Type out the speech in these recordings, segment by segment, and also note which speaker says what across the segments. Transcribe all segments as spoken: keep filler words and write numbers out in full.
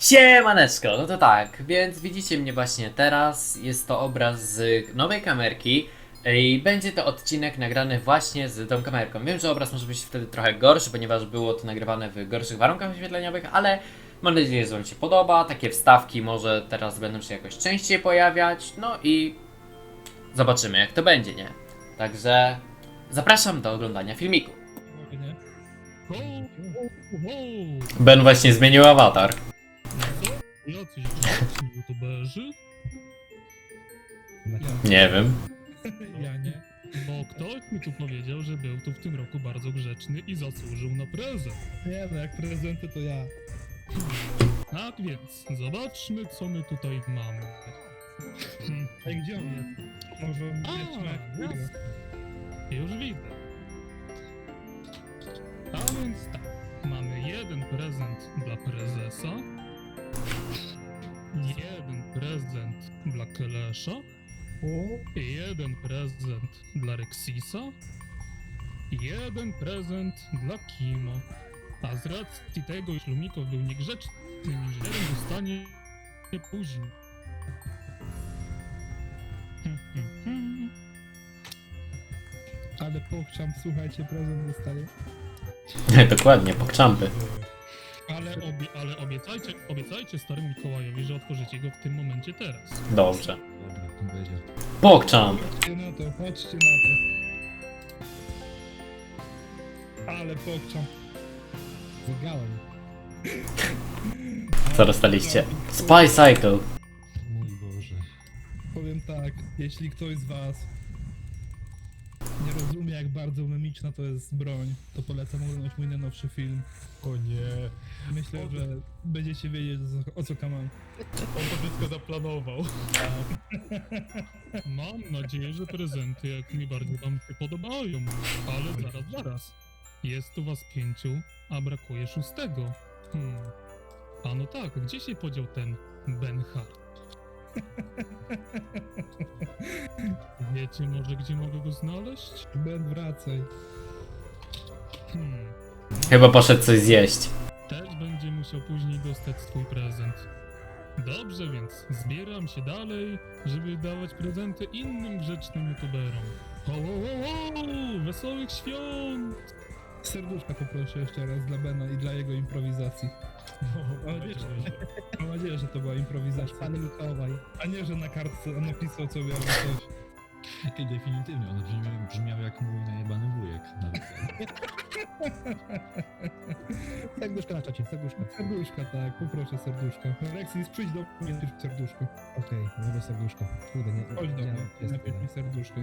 Speaker 1: Siemaneczko, no to tak, więc widzicie mnie właśnie teraz, jest to obraz z nowej kamerki i będzie to odcinek nagrany właśnie z tą kamerką. Wiem, że obraz może być wtedy trochę gorszy, ponieważ było to nagrywane w gorszych warunkach oświetleniowych, ale mam nadzieję, że Wam się podoba, takie wstawki może teraz będą się jakoś częściej pojawiać, no i zobaczymy jak to będzie, nie? Także zapraszam do oglądania filmiku. Ben właśnie zmienił awatar.
Speaker 2: Jacyś grzeczni youtuberzy?
Speaker 1: Nie wiem.
Speaker 2: Ja nie. Bo ktoś mi tu powiedział, że był tu w tym roku bardzo grzeczny i zasłużył na prezent.
Speaker 3: Nie no, jak prezenty to ja.
Speaker 2: Tak więc, zobaczmy co my tutaj mamy. Hmm.
Speaker 3: Ej, gdzie on jest? Może on
Speaker 2: A,
Speaker 3: jest na
Speaker 2: jasne. Już widzę. A więc tak, mamy jeden prezent dla prezesa, jeden prezent dla Kelesza,
Speaker 3: O,
Speaker 2: jeden prezent dla Rexisa, jeden prezent dla Kima. A z racji tego, iż Lumikow był niegrzecznym inżynierem, dostanie później. Hmm, hmm, hmm.
Speaker 3: ale pochciam, słuchajcie, prezent dostaję.
Speaker 1: Dokładnie, pokczampy.
Speaker 2: Ale, obie, ale obiecajcie, obiecajcie staremu Mikołajowi, że otworzycie go w tym momencie teraz.
Speaker 1: Dobrze.
Speaker 4: Dobra, to będzie.
Speaker 1: Pokczamp.
Speaker 3: Chodźcie na to, chodźcie na to. Ale pochciam.
Speaker 4: Wygałem.
Speaker 1: Co dostaliście? Spy Cycle.
Speaker 4: Mój Boże.
Speaker 3: Powiem tak, jeśli ktoś z was nie rozumie, jak bardzo memiczna to jest broń, to polecam oglądać mój najnowszy film.
Speaker 4: O nie.
Speaker 3: Myślę, że będziecie wiedzieć, o co, o co kaman.
Speaker 4: On to wszystko zaplanował.
Speaker 2: Mam nadzieję, że prezenty jak najbardziej wam się podobają. Ale zaraz, zaraz. Jest tu was pięciu, a brakuje szóstego. Hmm. A no tak, gdzie się podział ten Ben Hart? Wiecie może, gdzie mogę go znaleźć?
Speaker 3: Ben, wracaj.
Speaker 2: Hmm.
Speaker 1: Chyba poszedł coś zjeść.
Speaker 2: Też będzie musiał później dostać swój prezent. Dobrze więc, zbieram się dalej, żeby dawać prezenty innym grzecznym youtuberom. Ho, ho, ho, ho! Wesołych świąt!
Speaker 3: Serduszka poproszę jeszcze raz dla Bena i dla jego improwizacji.
Speaker 4: No,
Speaker 3: Mam nadzieję, że, mam nadzieję, że to była improwizacja.
Speaker 4: Pan Mikołaj.
Speaker 3: A nie, że na kartce napisał sobie albo coś.
Speaker 4: I definitywnie, on brzmiał, brzmiał jak mój najebany wujek. Nawet.
Speaker 5: Serduszko na czacie, serduszko.
Speaker 3: Serduszka, tak, poproszę serduszka. Rexis, przyjdź do mnie, napisz serduszko.
Speaker 5: Okej, zrobię serduszko. Kurde, nie,
Speaker 3: Chodź do
Speaker 5: nie,
Speaker 3: mnie,
Speaker 5: jest
Speaker 3: napisz
Speaker 5: tyle.
Speaker 3: mi serduszko.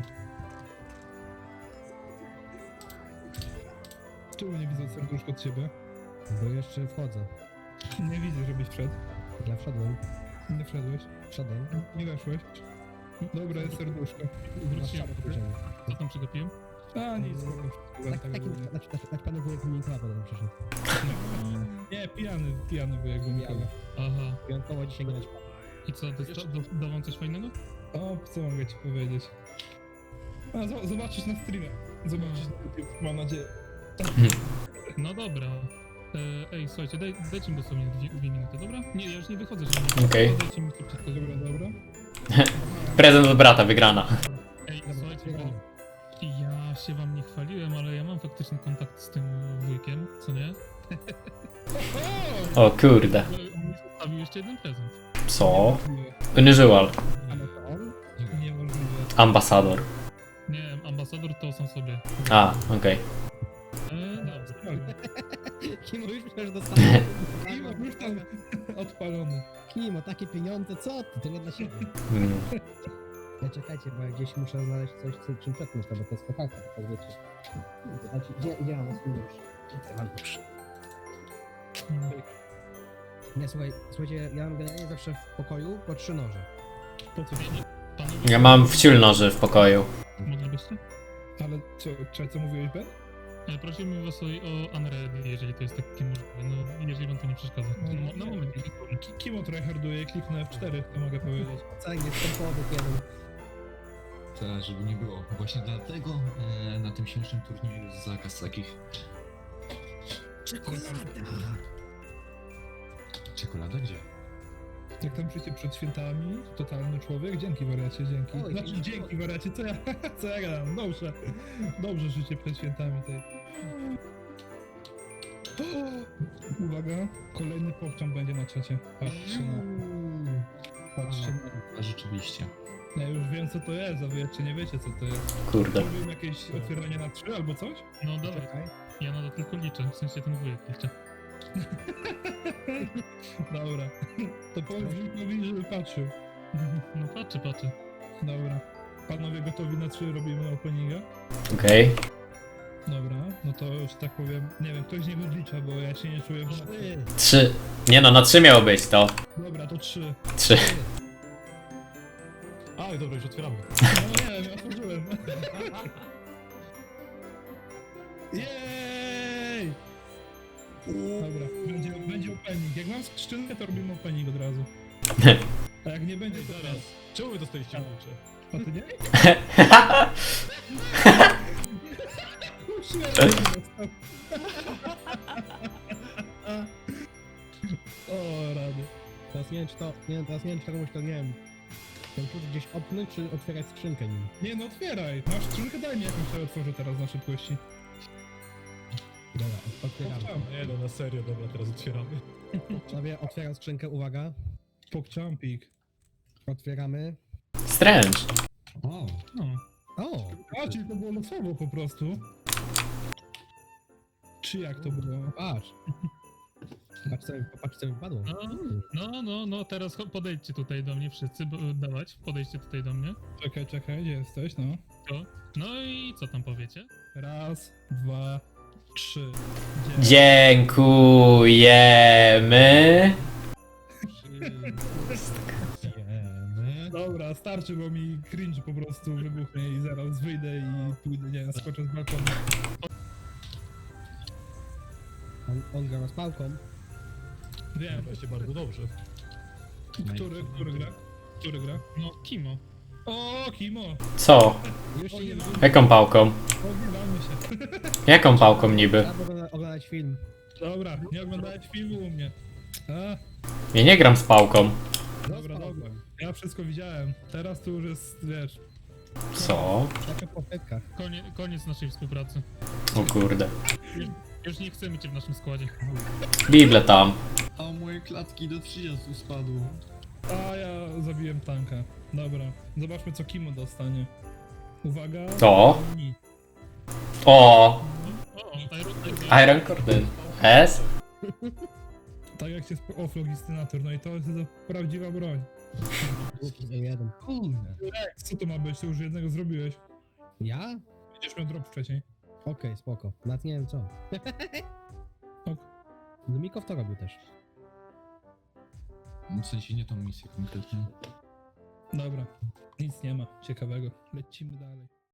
Speaker 3: Czemu nie widzę serduszko od ciebie?
Speaker 5: Bo jeszcze wchodzę.
Speaker 3: Nie widzę, żebyś wszedł.
Speaker 5: Ja wszedłem,
Speaker 3: Nie wszedłeś.
Speaker 5: wszedłem.
Speaker 3: Nie weszłeś. Dobra, jest serduszko.
Speaker 5: Masz
Speaker 2: Wróciłem.
Speaker 5: szafę powiedziałem.
Speaker 2: Co tam przegapiłem?
Speaker 3: A, nic.
Speaker 5: Tak, taki, tak, tak, tak panu wujek Mikołaja potem przyszedł.
Speaker 3: Nie, pijany, pijany wujek Mikołaj.
Speaker 2: Aha.
Speaker 5: Wyjątkowo dzisiaj nie naćpał.
Speaker 2: I co, dosta- do- da wam coś fajnego?
Speaker 3: O, co mogę ci powiedzieć? A, zo- zobaczysz na streamie. Zobaczysz na YouTube, mam nadzieję.
Speaker 2: No dobra. E, ej, słuchajcie, daj, dajcie mi dosłownie dwie, dwie minuty, dobra? Nie, ja już nie wychodzę, żeby nie
Speaker 1: Okej.
Speaker 2: Dajcie mi szybciutko.
Speaker 3: Dobra, dobra.
Speaker 1: Prezent od brata, wygrana.
Speaker 2: Ej, słuchajcie, bo ja się wam nie chwaliłem, ale ja mam faktyczny kontakt z tym wujkiem, co nie?
Speaker 1: O kurde.
Speaker 2: Ale on mi zostawił jeszcze jeden prezent.
Speaker 1: Co? Unusual.
Speaker 5: Ale to on?
Speaker 3: Niemożliwe.
Speaker 1: Ambasador.
Speaker 2: Nie, ambasador to sam sobie.
Speaker 1: A, okej.
Speaker 2: E, dobra.
Speaker 5: Kimo już myślałem, że dostałem.
Speaker 3: Kimo, już tam odpalony.
Speaker 5: Kimo, takie pieniądze, co ty? To nie dla siebie.
Speaker 1: Mm.
Speaker 5: Ja czekajcie, bo ja gdzieś muszę znaleźć coś, co- czym przetnąć to, bo to jest kochaka, tak wiecie. Znaczy, gdzie, gdzie mam swój nóż? Gdzie mam nóż? Nie, słuchaj, słuchajcie, ja mam generalnie zawsze w pokoju po trzy noże.
Speaker 3: Po co?
Speaker 2: Panowie,
Speaker 1: Ja mam wciul noży w pokoju.
Speaker 2: moglibyście?
Speaker 3: Ale co, co, co mówiłeś, Ben?
Speaker 2: E, prosimy was o, o Unready, jeżeli to jest takie możliwe, no jeżeli wam to nie przeszkadza.
Speaker 3: No,
Speaker 2: No, na moment.
Speaker 3: Ki- Kimo tryharduje, kliknę F cztery, to mogę powiedzieć.
Speaker 5: Całek jest tempowy jeden.
Speaker 4: Tak, żeby nie było. Właśnie dlatego e, na tym śmiesznym turnieju jest zakaz takich.
Speaker 5: Czekolada!
Speaker 4: Czekolada gdzie?
Speaker 3: Jak tam przyjdzie przed świętami, totalny człowiek, dzięki wariacie, dzięki.
Speaker 5: Oj,
Speaker 3: Znaczy
Speaker 5: dzięki.
Speaker 3: dzięki wariacie, co ja, co ja gadam, dobrze. Dobrze życie przed świętami tej. Uwaga, kolejny pokczam będzie na czacie. Patrzcie na, patrzcie na.
Speaker 4: A rzeczywiście.
Speaker 3: Ja już wiem co to jest, a wy jeszcze nie wiecie co to jest.
Speaker 1: Kurde.
Speaker 3: Robimy jakieś otwieranie na trzy albo coś?
Speaker 2: No dawaj,
Speaker 5: Czekaj.
Speaker 2: ja na to tylko liczę, w sensie ten wujek liczę.
Speaker 3: Dobra. To powiedz Wilkowi, żeby patrzył.
Speaker 2: No patrzy, patrzy.
Speaker 3: Dobra. Panowie gotowi na trzy, robimy openinga?
Speaker 1: Okej.
Speaker 3: Dobra, no to już tak powiem, nie wiem, ktoś nie odlicza, bo ja się nie czuję w
Speaker 5: Trzy.
Speaker 1: Trzy. Nie no, na trzy miało być to.
Speaker 3: Dobra, to trzy.
Speaker 1: Trzy.
Speaker 3: A, dobra, już otwieramy. No nie wiem, ja otworzyłem. Jej! Dobra, będzie, będzie opening. Jak mam skrzynkę, to robimy opening od razu. A jak nie będzie, to teraz.
Speaker 6: Czemu wy dostaliście klucze?
Speaker 3: A ty nie? O, rady.
Speaker 5: Teraz nie wiem, czy to, nie wiem, teraz nie wiem, czy to komuś to, nie wiem, ten klucz gdzieś opnąć, czy otwierać skrzynkę nim.
Speaker 3: Nie no, otwieraj. Masz skrzynkę, daj mi jakąś, to otworzę teraz na szybkości.
Speaker 5: Dobra, otwieramy.
Speaker 3: Pokczam,
Speaker 6: Nie no, na serio, dobra, teraz otwieramy.
Speaker 5: Sobie otwieram skrzynkę, uwaga.
Speaker 3: pokczampik.
Speaker 5: Otwieramy.
Speaker 1: Strange.
Speaker 4: O,
Speaker 2: No.
Speaker 5: O!
Speaker 3: A, czyli to było losowo po prostu. Czy jak to było?
Speaker 5: Patrz. Patrz co, patrz co mi wpadło.
Speaker 2: No, no, no, no, teraz cho- podejdźcie tutaj do mnie wszyscy, bo, dawać, podejdźcie tutaj do mnie.
Speaker 3: Czekaj, czekaj, gdzie jesteś, no?
Speaker 2: To. No i co tam powiecie?
Speaker 3: Raz, dwa, trzy. Gdzie?
Speaker 1: Dziękujemy.
Speaker 4: jemy.
Speaker 3: Dobra, starczy, bo mi cringe po prostu wybuchnie i zaraz wyjdę i pójdę, nie wiem, skoczę z balkonu.
Speaker 5: On, on gra z pałką.
Speaker 3: Wiem,
Speaker 6: Właśnie bardzo dobrze.
Speaker 3: który, który gra? Który gra?
Speaker 2: No, Kimo.
Speaker 3: O, Kimo!
Speaker 1: Co?
Speaker 5: Już
Speaker 3: O,
Speaker 5: się
Speaker 3: nie,
Speaker 5: nie
Speaker 1: Jaką pałką?
Speaker 3: Oglądamy się.
Speaker 1: Jaką pałką niby?
Speaker 5: Trzeba ogląda- oglądać film.
Speaker 3: Dobra, nie oglądałeś filmu u mnie. A,
Speaker 1: Ja nie gram z pałką.
Speaker 3: dobra, dobra. Ja wszystko widziałem. Teraz to już jest, wiesz...
Speaker 1: Co?
Speaker 5: Taka po petkach.
Speaker 2: Konie, koniec naszej współpracy.
Speaker 1: O kurde.
Speaker 2: Już nie chcemy cię w naszym składzie.
Speaker 1: Bible tam.
Speaker 4: A moje klatki do trzydziestu spadło.
Speaker 3: A ja zabiłem tanka. Dobra, zobaczmy co Kimo dostanie. Uwaga.
Speaker 1: To.
Speaker 3: Ni.
Speaker 2: O,
Speaker 1: O!
Speaker 2: Iron,
Speaker 1: Iron Cordon. S?
Speaker 3: Tak jak się sp- oflogistynator, no i to jest to prawdziwa broń.
Speaker 5: Głupi za jeden.
Speaker 4: Kurde.
Speaker 3: Co to ma być? Ty już jednego zrobiłeś.
Speaker 5: Ja?
Speaker 3: Będziesz miał drop wcześniej.
Speaker 5: Okej, spoko. Nawet nie wiem co.
Speaker 3: Ok.
Speaker 5: No Mikow to robił też.
Speaker 4: W sensie nie tą misję konkretnie.
Speaker 3: Dobra, nic nie ma ciekawego. Lecimy dalej.